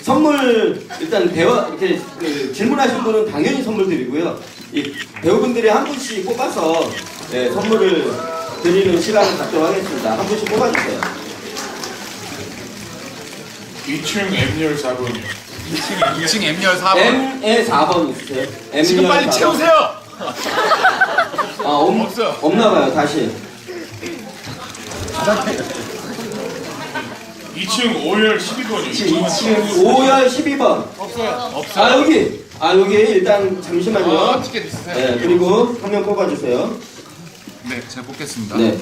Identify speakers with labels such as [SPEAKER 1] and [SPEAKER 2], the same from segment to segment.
[SPEAKER 1] 선물 일단 이렇게 질문하신 분은 당연히 선물 드리고요. 이 배우분들이 한 분씩 뽑아서 선물을 드리는 시간을 갖도록 하겠습니다. 한 분씩 뽑아주세요.
[SPEAKER 2] 2층 M열 4번.
[SPEAKER 3] 2층 M열 4번.
[SPEAKER 1] M에 4번 있으세요? M열
[SPEAKER 3] 지금 빨리
[SPEAKER 1] 4번.
[SPEAKER 3] 채우세요.
[SPEAKER 1] 없어요. 없나봐요. 다시.
[SPEAKER 2] 2층 5열 12번이요.
[SPEAKER 1] 2층 5열 12번.
[SPEAKER 3] 없어요.
[SPEAKER 1] 여기 일단 잠시만요.
[SPEAKER 3] 티켓 있으세요?
[SPEAKER 1] 네, 그리고 한 명 뽑아주세요.
[SPEAKER 3] 네, 제가 뽑겠습니다.
[SPEAKER 1] 네.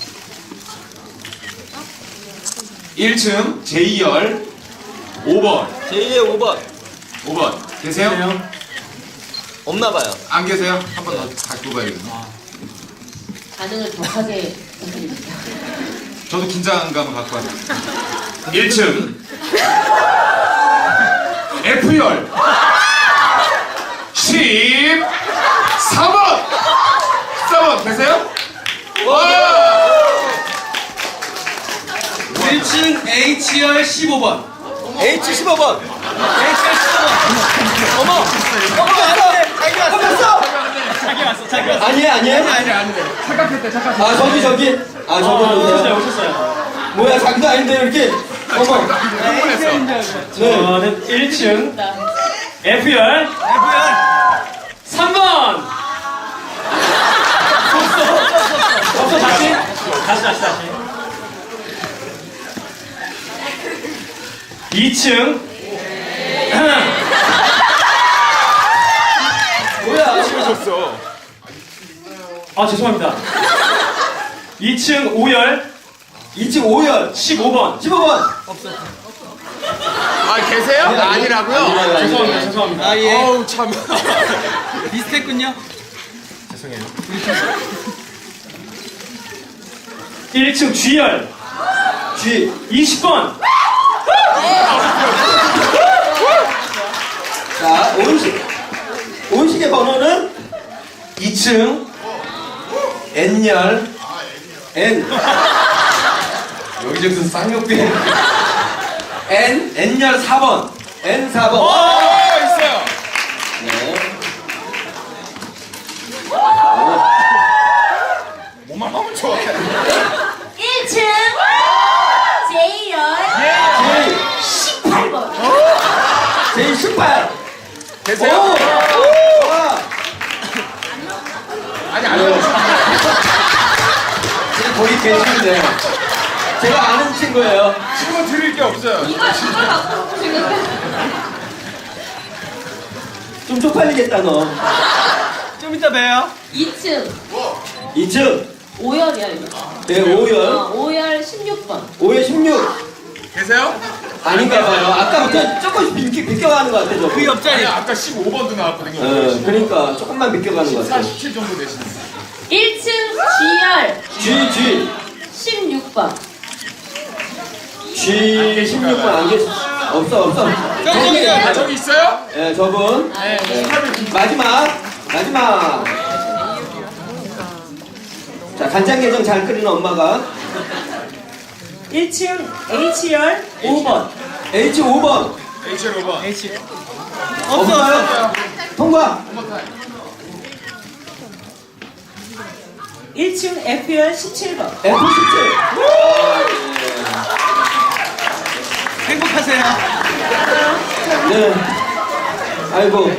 [SPEAKER 3] 1층 J열 5번.
[SPEAKER 1] 제2의 5번.
[SPEAKER 3] 5번. 계세요?
[SPEAKER 1] 없나봐요.
[SPEAKER 3] 안 계세요? 한 번 더 다시 뽑아야겠네.
[SPEAKER 4] 반응을 격하게 부탁드립니다.
[SPEAKER 3] 저도 긴장감을 갖고 왔어요.
[SPEAKER 2] 1층
[SPEAKER 3] F열 14번. 14번 계세요? 와!
[SPEAKER 5] 1층 H열 15번.
[SPEAKER 1] H15번.
[SPEAKER 5] 어머! 자기 왔어! 자기 왔어.
[SPEAKER 1] 아니에요?
[SPEAKER 3] 아니. 착각했대.
[SPEAKER 1] 저기. 저기
[SPEAKER 5] 오셨어요.
[SPEAKER 1] 뭐야, 자기도 아닌데 이렇게. 어머. 네.
[SPEAKER 5] 저는 1층 F열 3번! 없어, 다시. 다시. 2층
[SPEAKER 1] 뭐야?
[SPEAKER 3] 줬어.
[SPEAKER 5] 죄송합니다. 2층 5열
[SPEAKER 1] 2층 5열
[SPEAKER 5] 15번.
[SPEAKER 1] 15번.
[SPEAKER 3] 아, 계세요? 아니라고요?
[SPEAKER 5] 죄송합니다.
[SPEAKER 3] 어우, 참.
[SPEAKER 5] 비슷했군요. 죄송해요. 1층 G열
[SPEAKER 1] G
[SPEAKER 5] 20번.
[SPEAKER 1] 자, 온식의 번호는 2층 N열 N. 여기저기서 쌍욕대. N열 4번. N 4번.
[SPEAKER 3] 있어요.
[SPEAKER 1] 네.
[SPEAKER 3] 뭐만 하면 좋아.
[SPEAKER 4] 1층 J열
[SPEAKER 1] J
[SPEAKER 4] 18번.
[SPEAKER 1] J 18.
[SPEAKER 3] 계세요?
[SPEAKER 1] 와.
[SPEAKER 3] 아니, 안
[SPEAKER 1] 지금 거기 계시는데 제가 아는 친구예요.
[SPEAKER 3] 지금은 드릴 게 없어요.
[SPEAKER 4] 이걸 갖고 지금
[SPEAKER 1] 좀 쪽팔리겠다 너.
[SPEAKER 5] 좀 이따 봬요.
[SPEAKER 4] 2층
[SPEAKER 1] 2층
[SPEAKER 4] 5열이야 이거.
[SPEAKER 1] 네 5열
[SPEAKER 4] 5열 16번.
[SPEAKER 1] 5열 16.
[SPEAKER 3] 계세요?
[SPEAKER 1] 아닌가 봐요. 아까부터 조금씩 비껴가는 것 같아, 저.
[SPEAKER 5] 그 옆자리.
[SPEAKER 3] 아니, 아까 15번도 나왔거든요.
[SPEAKER 1] 그러니까 조금만 비껴가는 것 같아.
[SPEAKER 3] 47 정도 되시는.
[SPEAKER 4] 1층 G열
[SPEAKER 1] G
[SPEAKER 4] 16번.
[SPEAKER 1] G 16번 안 계시. 없어.
[SPEAKER 3] 저기 있어요?
[SPEAKER 1] 예, 저분. 마지막. 자, 간장게장 잘 끓이는 엄마가
[SPEAKER 6] 1층 H열 5번.
[SPEAKER 1] H 5번.
[SPEAKER 3] H열 5번.
[SPEAKER 1] 없어요. 통과.
[SPEAKER 6] 1층 F열 17번.
[SPEAKER 1] F 17.
[SPEAKER 5] 행복하세요.
[SPEAKER 1] 네. 아이고.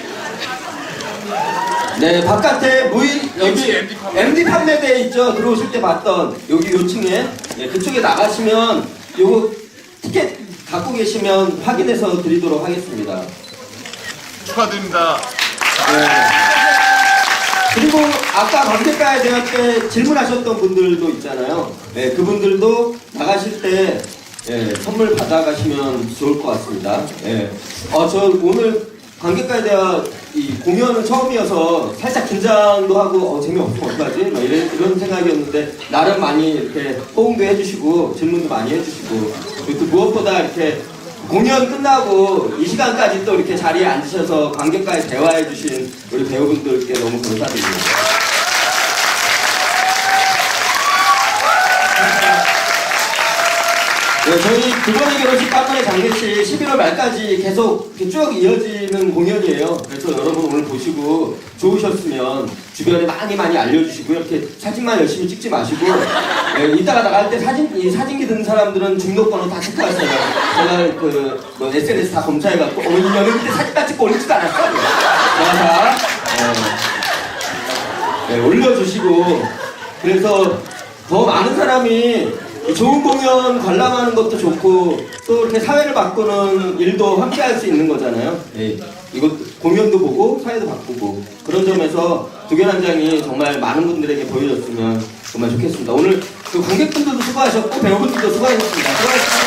[SPEAKER 1] 네, 바깥에 여기 MD 판매대 있죠? 들어오실 때 봤던 여기 요 층에 그쪽에 나가시면 요거 티켓 갖고 계시면 확인해서 드리도록 하겠습니다.
[SPEAKER 3] 축하드립니다.
[SPEAKER 1] 네. 그리고 아까 관객가에 대학 때 질문하셨던 분들도 있잖아요. 네, 그분들도 나가실 때 선물 받아가시면 좋을 것 같습니다. 저 오늘 관객가에 대한 이 공연은 처음이어서 살짝 긴장도 하고 재미없으면 어떡하지? 막 이런 생각이었는데 나름 많이 이렇게 호응도 해주시고 질문도 많이 해주시고 그리고 또 무엇보다 이렇게 공연 끝나고 이 시간까지 또 이렇게 자리에 앉으셔서 관객과의 대화해주신 우리 배우분들께 너무 감사드립니다. 네, 저희 두 번의 결혼식, 한 번의 장례식 11월 말까지 계속 이렇게 쭉 이어지는 공연이에요. 그래서 여러분 오늘 보시고 좋으셨으면 주변에 많이 알려주시고 이렇게 사진만 열심히 찍지 마시고 이따가 나갈 때 이 사진기 든 사람들은 등록번호 다 체크하세요. 제가 뭐 SNS 다 검사해갖고 연예인 때 사진 다 찍고 올리지도 않았어요. 다 올려주시고 그래서 더 많은 사람이 좋은 공연 관람하는 것도 좋고 또 이렇게 사회를 바꾸는 일도 함께 할 수 있는 거잖아요. 이거 공연도 보고 사회도 바꾸고 그런 점에서 두견한장이 정말 많은 분들에게 보여줬으면 정말 좋겠습니다. 오늘 그 관객분들도 수고하셨고 배우분들도 수고하셨습니다. 수고하셨습니다.